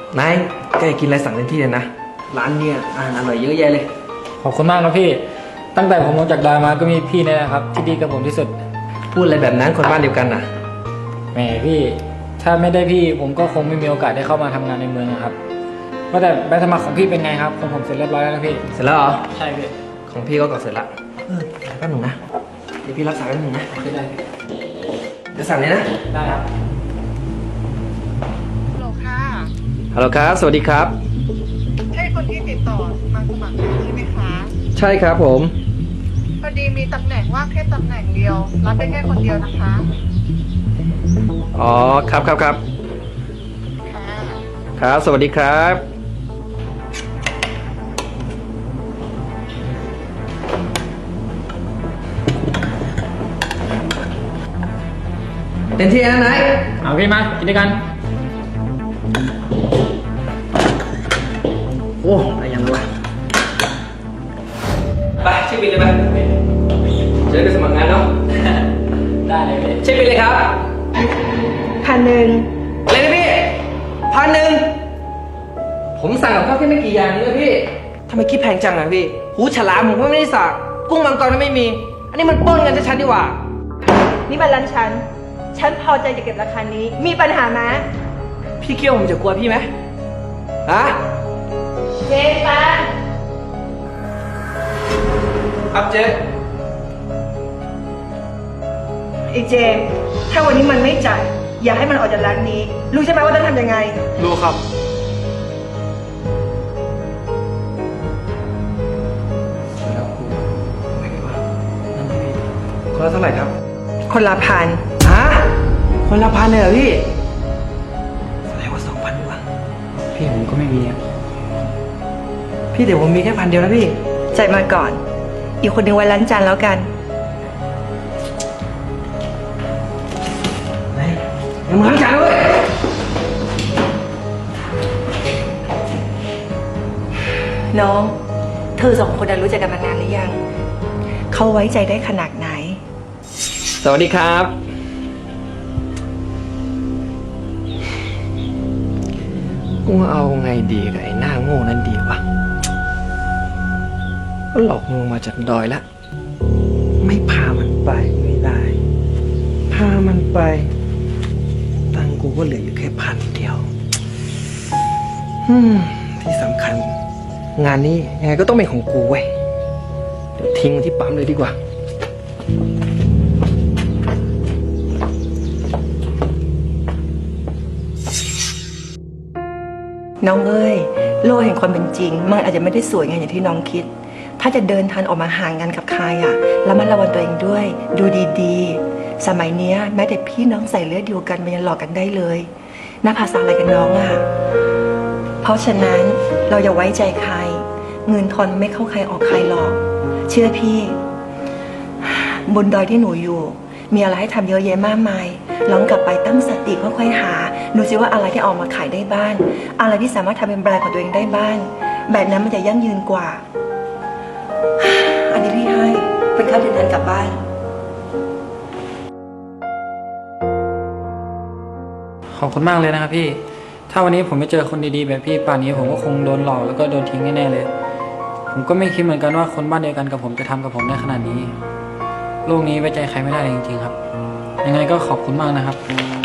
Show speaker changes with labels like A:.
A: นายแกกินอะไรสั่งเต็มที่เลยนะร้านเนี่ยอาหารอร่อยเยอะแยะเลย
B: ขอบคุณมากครับพี่ตั้งแต่ผมลงจากดอยมาก็มีพี่นี่แหละครับที่ดีกับผมที่สุด
A: พูดอะไรแบบนั้นคนบ้านเดียวกันน่ะ
B: แหมพี่ถ้าไม่ได้พี่ผมก็คงไม่มีโอกาสได้เข้ามาทำงานในเมืองนะครับว่าแต่ใบสมัครของพี่เป็นไงครับของผมเสร็จเรียบร้อยแล้วนะพี่
A: เสร็จแล้วเหรอ
B: ใช่พี่
A: ของพี่ก็เสร็จละแป๊บหนึ่งนะเดี๋ยวพี่รับสายแป๊บหนึ่งนะ
B: โอเคได้
A: เดี๋ยวสั่งเลยนะ
B: ได้ครับ
C: ฮัลโหลค่ะ
A: ฮัลโหลครับสวัสดีครับ
C: ใช่คนที่ติดต่อมาสมัครงานใช่ไหมคะ
A: ใช่ครับผม
C: พอดีมีตำแหน่งว่างแค่ตำแหน่งเดียวรับได้แค่คนเดียวนะคะ
A: อ๋อครับ
C: ค่ะ
A: ครับสวัสดีครับเต็มที่นะนาย
B: เอาพี่มากินด้วยกัน
A: โอ้อะไรยังวะไปเช็คบิลเลยไปจะได้ไปสมัครงานเนาะ
B: ได้เลยพี่
A: เช็คบิลเลยครับ
C: 1,000
A: อะไรนะพี่1,000ผมสั่งกับข้าวแค่ไม่กี่อย่างนี้เลยพี่ทำไมคิดแพงจังอะพี่หูฉลามผมก็ไม่ได้สั่งกุ้งมังกรก็ไม่มีอันนี้มันปล้นกันชัดๆดีกว่า
D: นี่มันร้านฉันพอใจจะเก็บราคานี้มีปัญหาไหม
A: พี่เกี้ยวผมจะกลัวพี่ไหมฮะ
D: เจ๊ปะ
A: ครับเจ๊
D: ไอ้เจมถ้าวันนี้มันไม่จ่ายอย่าให้มันออกจากร้านนี้รู้ใช่ไหมว่าต้องทำยังไง
A: รู้ครับแล้วกูไม่ได้ว่าคนละเท่าไหร่ครับ
D: คนละ1,000
A: ฮะคนละ1,000เลยเหรอพี่แสดงว่า2,000ดีกว่า
B: พี่ผมก็ไม่มีอ่ะ
A: พี่เดี๋ยวผมมีแค่1,000เดียวนะพี่
D: จ่ายมาก่อนอีกคนหนึ่งไว้ล้างจานแล้วกัน
A: ไหนยังมาล้างจานด้วย
D: น้องเธอ2 คนรู้จักกันมานานหรือยังเขาไว้ใจได้ขนาดไหน
A: สวัสดีครับกูเอาไงดีกับไอ้หน้าโง่นั้นดีวะก็หลอกมึงมาจากดอยแล้วไม่พามันไปไม่ได้พามันไปตังกูก็เหลืออยู่แค่1,000 เดียวที่สำคัญงานนี้ยังไงก็ต้องเป็นของกูเว้ยเดี๋ยวทิ้งมันที่ปั๊มเลยดีกว่า
D: น้องเอ้ยโลกแห่งความเป็นจริงมันอาจจะไม่ได้สวยงามอย่างที่น้องคิดถ้าจะเดินทางออกมาห่างกันกับใครแล้วมันระวังตัวเองด้วยดูดีๆสมัยนี้แม้แต่พี่น้องใส่เลือดเดียวกันมันยังหลอกกันได้เลยน่าภาษาอะไรกันน้องเพราะฉะนั้นเราอย่าไว้ใจใครเงินทอนไม่เข้าใครออกใครหรอกเชื่อพี่บนดอยที่หนูอยู่มีอะไรให้ทำเยอะแยะมากมายลองกลับไปตั้งสติค่อยๆหาดูซิว่าอะไรที่ออกมาขายได้บ้างอะไรที่สามารถทำเป็นแบรนด์ของตัวเองได้บ้างแบบนั้นมันจะยั่งยืนกว่าอันนี้พี่ให้เป็นค่าเดินทางกลับบ้าน
B: ขอบคุณมากเลยนะครับพี่ถ้าวันนี้ผมไม่เจอคนดีๆแบบพี่ป่านนี้ผมก็คงโดนหลอกแล้วก็โดนทิ้งแน่ๆเลยผมก็ไม่คิดเหมือนกันว่าคนบ้านเดียวกันกับผมจะทำกับผมได้ขนาดนี้โลกนี้ไว้ใจใครไม่ได้เลยจริงๆครับยังไงก็ขอบคุณมากนะครับ